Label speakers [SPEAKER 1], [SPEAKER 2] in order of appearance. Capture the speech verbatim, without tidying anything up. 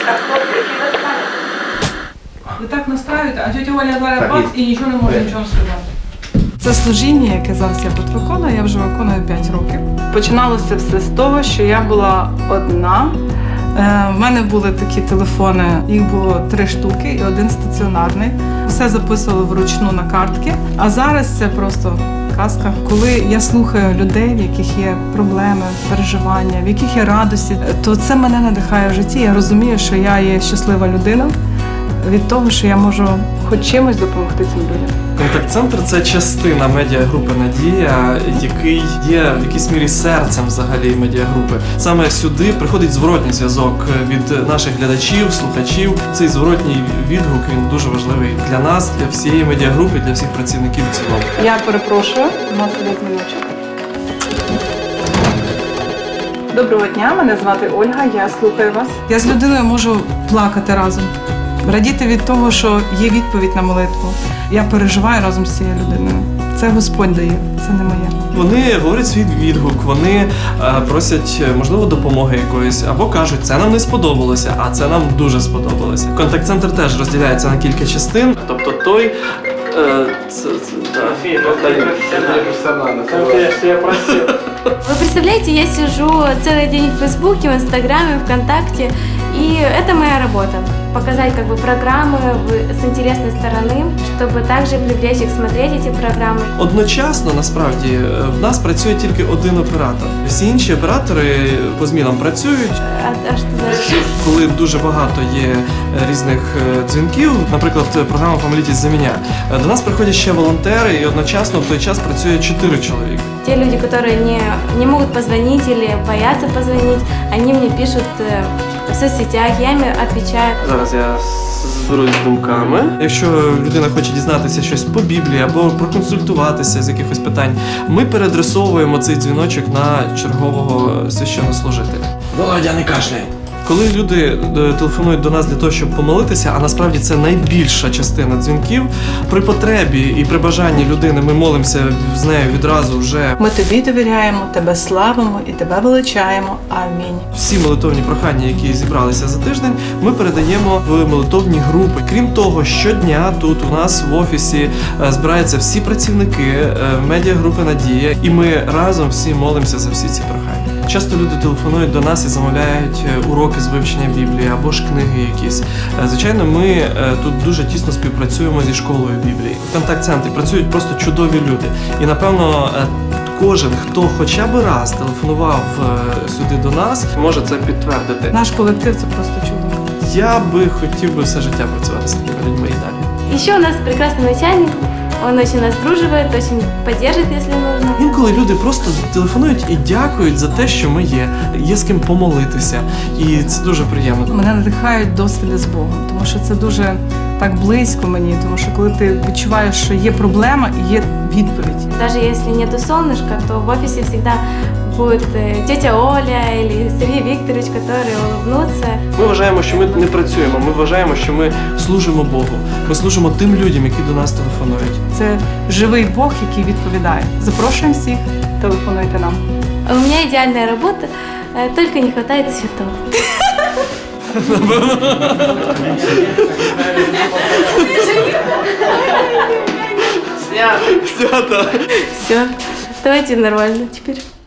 [SPEAKER 1] Ви так настраюєте, а тетя Оля зараз бац і нічого не може нічого сказати. Це служіння, яке зараз я тут виконую, я вже виконую п'ять років. Починалося все з того, що я була одна. У мене були такі телефони, їх було три штуки і один стаціонарний. Все записували вручну на картки, а зараз це просто казка. Коли я слухаю людей, в яких є проблеми, переживання, в яких є радості, то це мене надихає в житті. Я розумію, що я є щаслива людина від того, що я можу хоч чимось допомогти цим людям.
[SPEAKER 2] Контакт-центр – це частина медіагрупи «Надія», який є в якійсь мірі серцем взагалі медіагрупи. Саме сюди приходить зворотній зв'язок від наших глядачів, слухачів. Цей зворотній відгук, він дуже важливий для нас, для всієї медіагрупи, для всіх працівників в цілому.
[SPEAKER 1] Я перепрошую, у нас іде дзвіночок. Доброго дня, мене звати Ольга, я слухаю вас. Я з людиною можу плакати разом, радіти від того, що є відповідь на молитву. Я переживаю разом з цією людиною. Це Господь дає, це не моє.
[SPEAKER 2] Вони говорять свій відгук, вони е, просять, можливо, допомоги якоїсь, або кажуть, це нам не сподобалося, а це нам дуже сподобалося. Контакт-центр теж розділяється на кілька частин. Тобто той... Е, це, це,
[SPEAKER 3] Вы представляете, я сижу целый день в Фейсбуке, в Инстаграме, ВКонтакте, и это моя работа. Показать как бы программы с интересной стороны, чтобы также привлечь их смотреть эти программы.
[SPEAKER 2] Одночасно, насправді, в нас працює тільки один оператор. Всі інші оператори по змінам працюють.
[SPEAKER 3] А, а что дальше?
[SPEAKER 2] Коли дуже багато є різних дзвінків, наприклад, програма «Помолитесь за меня», до нас приходять ще волонтери, і одночасно в той час працює чотири чоловіка.
[SPEAKER 3] Те люди, которые не, не могут позвонить или боятся позвонить, они мне пишут в соцсетях, я им отвечаю.
[SPEAKER 2] Зараз я зберусь з думками. Якщо людина хоче дізнатися щось по Біблії або проконсультуватися з якихось питань, ми переадресовуємо цей дзвіночок на чергового священнослужителя. Володя, не кашляй! Коли люди телефонують до нас для того, щоб помолитися, а насправді це найбільша частина дзвінків, при потребі і при бажанні людини ми молимося з нею відразу вже.
[SPEAKER 1] Ми тобі довіряємо, тебе славимо і тебе величаємо. Амінь.
[SPEAKER 2] Всі молитовні прохання, які зібралися за тиждень, ми передаємо в молитовні групи. Крім того, щодня тут у нас в офісі збираються всі працівники медіагрупи «Надія», і ми разом всі молимося за всі ці прохання. Часто люди телефонують до нас і замовляють уроки з вивчення Біблії або ж книги якісь. Звичайно, ми тут дуже тісно співпрацюємо зі школою Біблії. В контакт-центрі працюють просто чудові люди. І, напевно, кожен, хто хоча б раз телефонував сюди до нас, може це підтвердити.
[SPEAKER 1] Наш колектив – це просто чудо.
[SPEAKER 2] Я би хотів би все життя працювати з такими людьми і далі.
[SPEAKER 3] Еще у нас прекрасный начальник, он очень нас друживает, очень поддержит, если нужно.
[SPEAKER 2] Інколи люди просто телефонують і дякують за те, що ми є, є з ким помолитися, і це дуже приємно.
[SPEAKER 1] Мене надихають досвіди з Богом, тому що це дуже так близько мені, тому що коли ти відчуваєш, що є проблема і є відповідь.
[SPEAKER 3] Даже если нету солнышка, то в офисе всегда будет тетя Оля или Сергей Викторович, которые улыбнутся.
[SPEAKER 2] Ми вважаємо, що ми не працюємо, ми вважаємо, що ми служимо Богу. Ми служимо тим людям, які до нас телефонують.
[SPEAKER 1] Це живий Бог, який відповідає. Запрошуємо всіх, телефонуйте нам.
[SPEAKER 3] У меня идеальная работа, только не хватает цветов.
[SPEAKER 2] Снято.
[SPEAKER 3] Все, давайте нормально теперь.